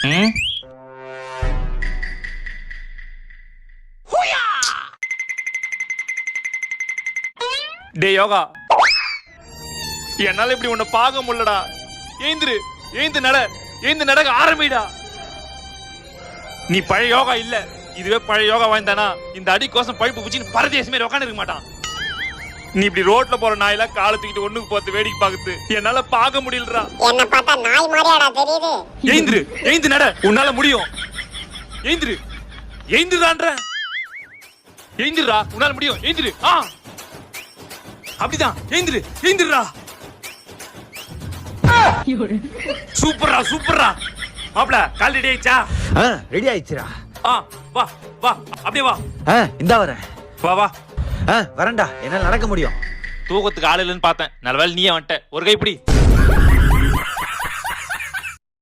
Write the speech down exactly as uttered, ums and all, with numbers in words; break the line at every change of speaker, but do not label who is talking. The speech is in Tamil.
டே யோகா, என்னால இப்படி உன்னை பார்க்க முடியலடா. ஏந்திரு, ஏந்து நட, ஏந்து நடக்க ஆரம்பிடா. நீ பழைய யோகா இல்ல. இதுவே பழைய யோகா வாய்ந்தானா இந்த அடி கோசம் பழுப்பு பூச்சின்னு பரதேசமே உட்காந்து இருக்க மாட்டான். நீ இப்படி ரோட்ல போற நாயெல்லாம் காலை தூக்கிட்டு ஒண்ணுக்கு பார்த்து வேடிக்கை பாக்குது என்னால பார்க்க முடியலடா.
என்ன பார்த்தா நாய் மாதிரியாடா தெரியுது.
ஏந்திரு, ஏந்து நட, உன்னால முடியும். ஏந்திரு, ஏந்திரான்ற, ஏந்திரா, உன்னால முடியும். ஏந்திரு, ஆ அப்படிதான், ஏந்திரு, ஏந்திரா. சூப்பர்ரா, சூப்பர்ரா. மாப்ள கால் ரெடி ஆயிச்சா?
ஆ ரெடி ஆயிடுச்சுடா.
ஆ வா வா, அப்படியே வா.
ஆ இந்தா வரேன்.
வா வா.
ஆ வரேன்டா, என்னால நடக்க முடியும்.
தூக்கத்துக்கு ஆள் இல்லைன்னு பார்த்தேன், நல்ல வேலை நீயே வந்துட்ட. ஒரு கை பிடி.